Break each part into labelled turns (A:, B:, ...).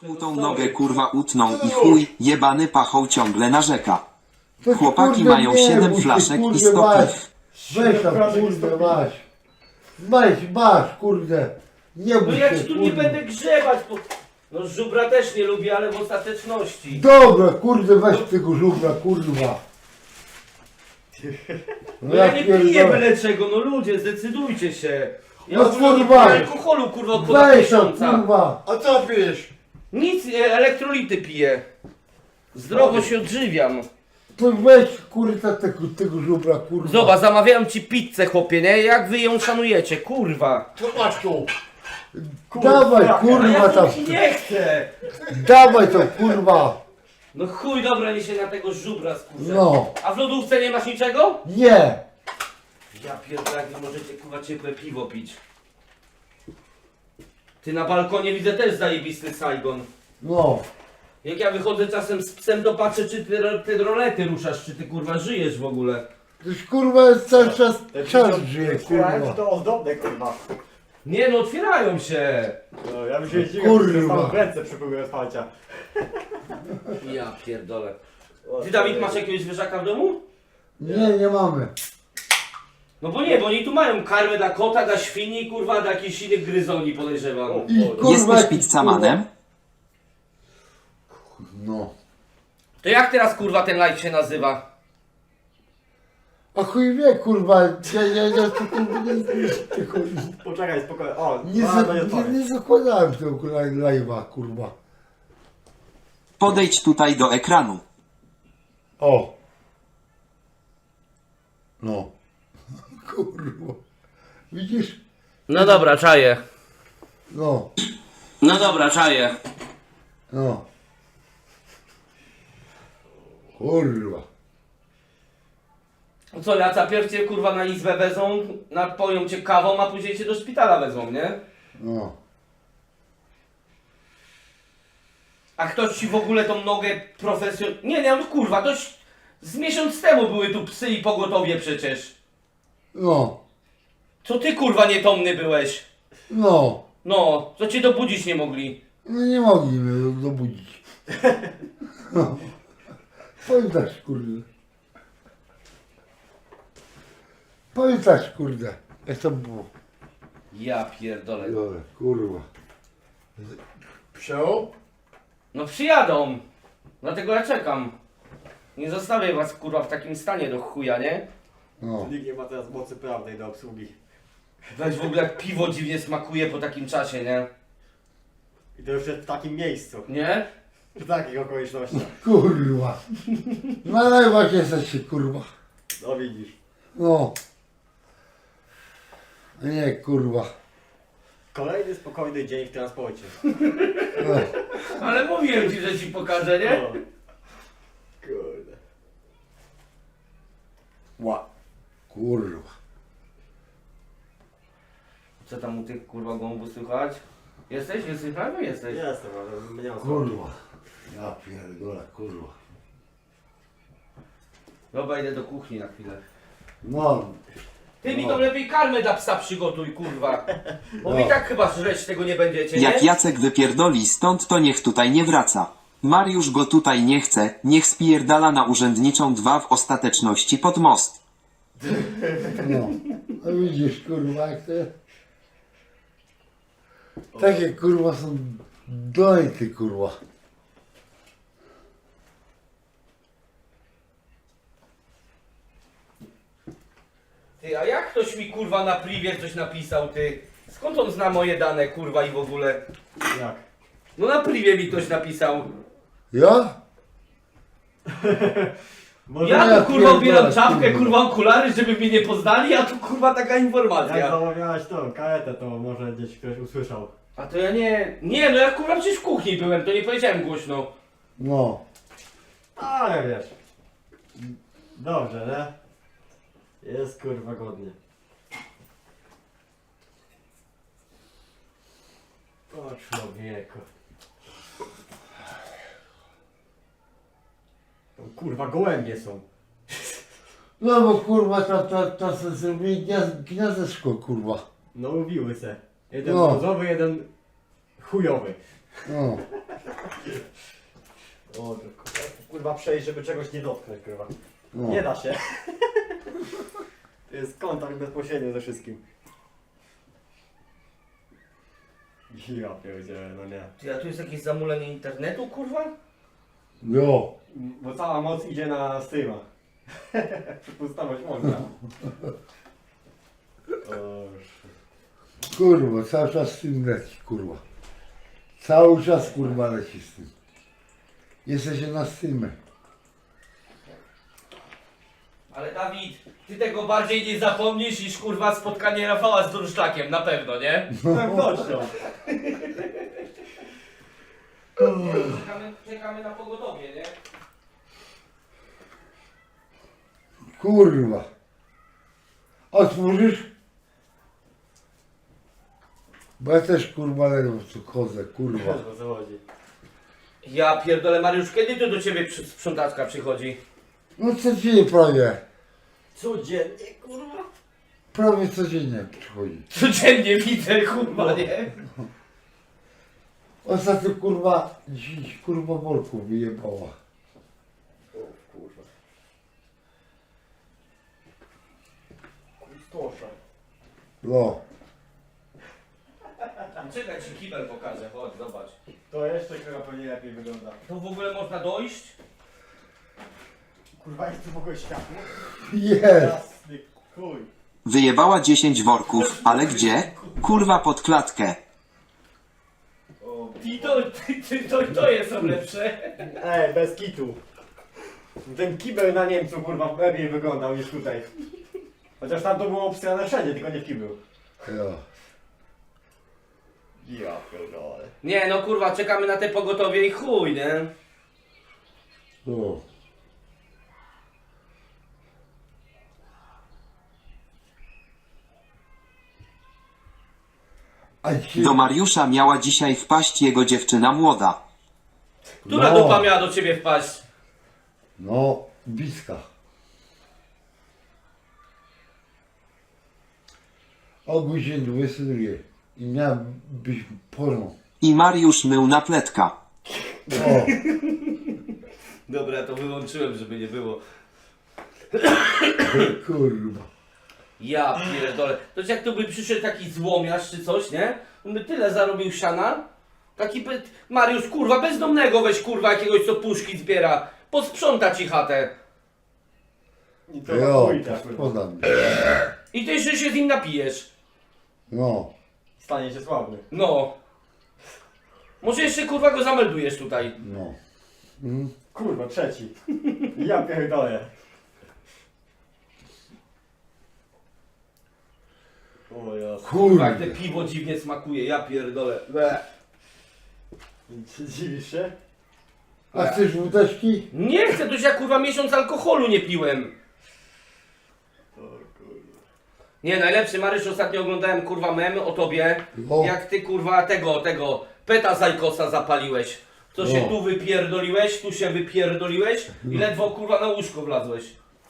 A: Tą nogę kurwa utną i chuj, jebany pachą ciągle narzeka.
B: To
A: Chłopaki
B: kurde
A: mają
B: nie
A: 7
B: bój się,
A: flaszek i
B: kurde,
A: 100
B: masz.
A: piw.
B: Weź tam, kurde, masz. Masz, kurde. Nie
C: No
B: bój
C: ja
B: się,
C: ci tu nie
B: kurde.
C: będę grzebać, bo... No żubra też nie lubię, ale w ostateczności.
B: Dobra, kurde, weź tego żubra, kurwa.
C: No ja nie piję
B: pierdolę.
C: byle czego, no ludzie, zdecydujcie się. Ja
B: No
C: w ogóle nie
B: kurwa.
C: piję alkoholu, kurwa, od ponad
B: Weź tam,
C: miesiąca.
B: kurwa.
D: A co pijesz?
C: Nic, elektrolity piję. Zdrowo się odżywiam.
B: To weź, kurwa, tego żubra, kurwa.
C: Zobacz, zamawiałem ci pizzę, chłopie, nie? Jak wy ją szanujecie, kurwa.
D: To masz tu.
B: Dawaj,
C: A
B: kurwa,
C: ja
B: tam.
C: to nie chcę.
B: Dawaj to, kurwa.
C: No chuj, dobra, nie się na tego żubra skurzę.
B: No.
C: A w lodówce nie masz niczego?
B: Nie.
C: Ja pierdolę, jak wy możecie, kurwa, ciepłe piwo pić. Ty na balkonie widzę też zajebisty Saigon.
B: No.
C: Jak ja wychodzę czasem z psem, to patrzę, czy ty rolety ruszasz, czy ty kurwa żyjesz w ogóle.
B: Toż kurwa jest cały czas żyje,
D: Słuchaj,
B: kurwa.
D: to ozdobne, kurwa.
C: Nie no, otwierają się.
D: No, ja bym się zdziwił,
B: Kurwa.
D: że sam w ręce przy próbie otwarcia.
C: Ja pierdolę. Ty, Dawid, masz jakiegoś zwierzaka w domu?
B: Nie mamy.
C: No bo nie, bo oni tu mają karmę dla kota, dla świni, kurwa, dla jakichś innych gryzoni, podejrzewam.
B: I kurwa,
A: Jesteś
B: jakiś,
A: pizzamanem?
B: kurwa. No.
C: To jak teraz, kurwa, ten live się nazywa?
B: A chuj wie, kurwa, ja to kurwa nie,
D: Poczekaj, spokojnie. O,
B: nie,
D: bardzo nie otworzę.
B: nie zakładałem tego live'a, kurwa.
A: Podejdź tutaj do ekranu.
B: O. No. Kurwa. Widzisz?
C: No dobra, czaję.
B: No.
C: No dobra, czaję.
B: No. Kurwa.
C: No co, Jaca, pierw cię, kurwa, na izbę wezmą, napoją cię kawą, a później cię do szpitala wezmą, nie?
B: No.
C: A ktoś ci w ogóle tą nogę profesjonalnie... Nie, no kurwa, toś z miesiąc temu były tu psy i pogotowie przecież.
B: No.
C: Co ty, kurwa, nietomny byłeś?
B: No.
C: No, co cię dobudzić nie mogli?
B: No nie mogli mnie dobudzić. No. Pamiętasz, kurde. Pamiętasz, kurde. Jak to było?
C: Ja pierdolę.
B: Dobra, kurwa.
D: Przeł?
C: No przyjadą. Dlatego ja czekam. Nie zostawię was, kurwa, w takim stanie do chuja, nie?
B: No.
D: Nikt nie ma teraz mocy prawnej do obsługi.
C: Weź w ogóle jak piwo dziwnie smakuje po takim czasie, nie?
D: I to już jest w takim miejscu.
C: Nie?
D: W takich okolicznościach.
B: Kurwa. Na live'ach jesteście, kurwa.
D: No widzisz.
B: No. Nie, kurwa.
D: Kolejny spokojny dzień w transporcie.
B: No.
C: Ale mówiłem ci, że ci pokażę, nie?
D: No. Kurde. Ła.
B: Kurwa.
C: Co tam u tych, kurwa, gołąbów słychać? Jesteś? Jesteś prawie? Jesteś.
D: Jestem, ale nie mam
B: Kurwa. Ja pierdolę, kurwa.
C: Dobra, idę do kuchni na chwilę.
B: No.
C: Ty mi to lepiej karmę dla psa przygotuj, kurwa. Bo
B: No.
C: wy i tak chyba żreć tego nie będziecie, nie?
A: Jak Jacek wypierdoli stąd, to niech tutaj nie wraca. Mariusz go tutaj nie chce, niech spierdala na urzędniczą 2 w ostateczności pod most.
B: No. A widzisz, kurwa, jak to jest? Takie, kurwa, są dojty, kurwa.
C: Ty, a jak ktoś mi, kurwa, na privie coś napisał, ty? Skąd on zna moje dane, kurwa, i w ogóle?
D: Jak?
C: No na privie mi ktoś napisał.
B: Ja?
D: Może
C: Ja
B: ja
C: tu, kurwa, ubieram
B: pierdolę,
C: czapkę,
B: kurwa.
C: kurwa, okulary, żeby mnie nie poznali, a tu, kurwa, taka
D: jak
C: informacja.
D: zamawiałeś tą karetę, to może gdzieś ktoś usłyszał.
C: A to ja nie... Nie, no ja, kurwa, przecież w kuchni byłem, to nie powiedziałem głośno.
B: No.
D: Ale wiesz. Dobrze, nie? Jest kurwa godnie. O człowieku. O, kurwa, gołębie są.
B: No bo kurwa, to sobie zrobili gniazdeczko, kurwa.
D: No mówiły se. Jeden
B: No.
D: brązowy, jeden chujowy.
B: No.
D: O, kurwa przejść, żeby czegoś nie dotknąć, kurwa.
B: No.
D: Nie da się. To jest kontakt bezpośredni ze wszystkim. Ja pierdzielę, no nie.
C: Ty, a tu jest jakieś zamulenie internetu, kurwa?
B: Jo.
D: Bo cała moc idzie na streama. Przepustowość można.
B: Kurwa, cały czas z tym leci, kurwa. Cały czas kurwa leci z tym. Jesteście na streamie.
C: Ale Dawid, ty tego bardziej nie zapomnisz niż kurwa spotkanie Rafała z Durszczakiem, na pewno, nie?
D: Z pewnością.
C: Czekamy na pogodowie, nie?
B: Kurwa. Otworzysz? Bo ja też kurwa ledwo tu chodzę, kurwa.
D: O co chodzi?
C: Ja pierdolę, Mariusz, kiedy tu do ciebie sprzątaczka przychodzi?
B: No codziennie prawie.
D: Codziennie, kurwa.
B: Prawie codziennie przychodzi.
C: Codziennie widzę, kurwa, nie?
B: Ostatnio kurwa, dziś kurwa worku wyjebała.
D: O kurwa. Kustosza.
B: No.
C: Czekaj, ci kibel pokażę, chodź, zobacz.
D: To jeszcze chyba pewnie lepiej wygląda.
C: To w ogóle można dojść?
D: Kurwa, jest tu w ogóle światło?
B: Jest.
D: Jasny chuj.
A: Wyjebała 10 worków, ale gdzie? Kurwa pod klatkę.
D: O,
C: I to jest lepsze.
D: bez kitu. Ten kibel na Niemcu kurwa lepiej wyglądał niż tutaj. Chociaż tam to było obsrane wszędzie, tylko nie w kiblu.
B: Jo.
D: Ja pierdolę.
C: Nie no kurwa, czekamy na te pogotowie i chuj, nie?
B: No. A ci...
A: Do Mariusza miała dzisiaj wpaść jego dziewczyna młoda.
C: Która
B: No.
C: dupa miała do ciebie wpaść?
B: No, bliska. O godzinie 22 i miała być porą.
A: I Mariusz mył na pletka.
B: O,
C: Dobra, to wyłączyłem, żeby nie było.
B: kurwa.
C: Ja pierdolę. To jest jak tu by przyszedł taki złomiarz czy coś, nie? On by tyle zarobił siana. Taki Mariusz, kurwa, bezdomnego weź, kurwa, jakiegoś co puszki zbiera. Posprząta ci chatę.
D: I to
B: Jo,
D: chuj tak kurwa.
B: podam.
C: I ty jeszcze się z nim napijesz.
B: No.
D: Stanie się sławny.
C: No. Może jeszcze, kurwa, go zameldujesz tutaj.
B: No. Mm.
D: Kurwa, trzeci. Ja pierdolę. O jasne.
C: Kurwa, jak
B: Kurde.
C: te piwo dziwnie smakuje, ja pierdolę. Bleh.
D: Dziwisz się?
B: A chcesz wódeczki?
C: Nie chcę, to już ja, kurwa, miesiąc alkoholu nie piłem.
D: O kurwa.
C: Nie, najlepszy, Maryś, ostatnio oglądałem, kurwa, memy o tobie.
B: O.
C: Jak ty, kurwa, tego, peta Zajkosa zapaliłeś. To się
B: No.
C: tu wypierdoliłeś, tu się wypierdoliłeś i ledwo, kurwa, na łóżko wlazłeś.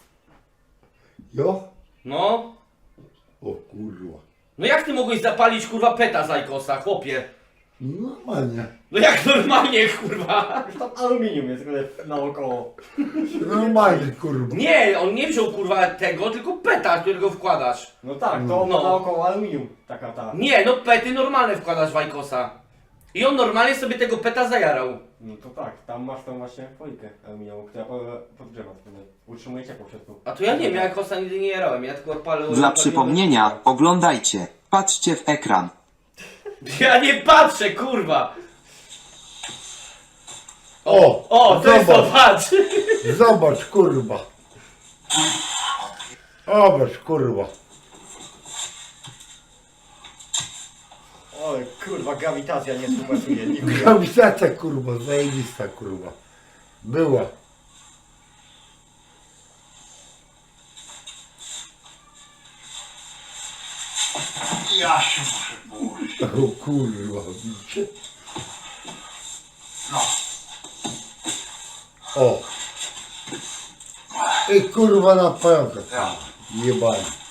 B: Jo?
C: No.
B: O kurwa.
C: No jak ty mogłeś zapalić, kurwa, peta Zajkosa, chłopie?
B: Normalnie.
C: No jak normalnie, kurwa.
D: Już tam aluminium jest tylko naokoło.
B: Normalnie, kurwa.
C: Nie, on nie wziął, kurwa, tego, tylko peta, którego wkładasz.
D: No tak, to
C: No.
D: naokoło aluminium. Taka ta.
C: Nie, no pety normalne wkładasz w Ajkosa. I on normalnie sobie tego peta zajarał.
D: No to tak, tam masz tą właśnie folikę aluminiową, która podgrzewa. Utrzymuje ciepło w środku.
C: A to ja nie wiem, ja Ajkosa nigdy nie jarałem, ja tylko palę...
A: Dla przypomnienia, oglądajcie. Patrzcie w ekran.
C: Ja nie patrzę, kurwa!
B: O,
C: to jest to, patrz!
B: Zobacz, kurwa. Zobacz, kurwa.
D: Oj, kurwa, grawitacja nie współpracuje. Nigdy.
B: Grawitacja, kurwa, zajebista, kurwa. Była.
E: Ja się muszę położyć.
B: O kurwa, widzicie?
E: No.
B: O. I kurwa na pająka. Jebanie.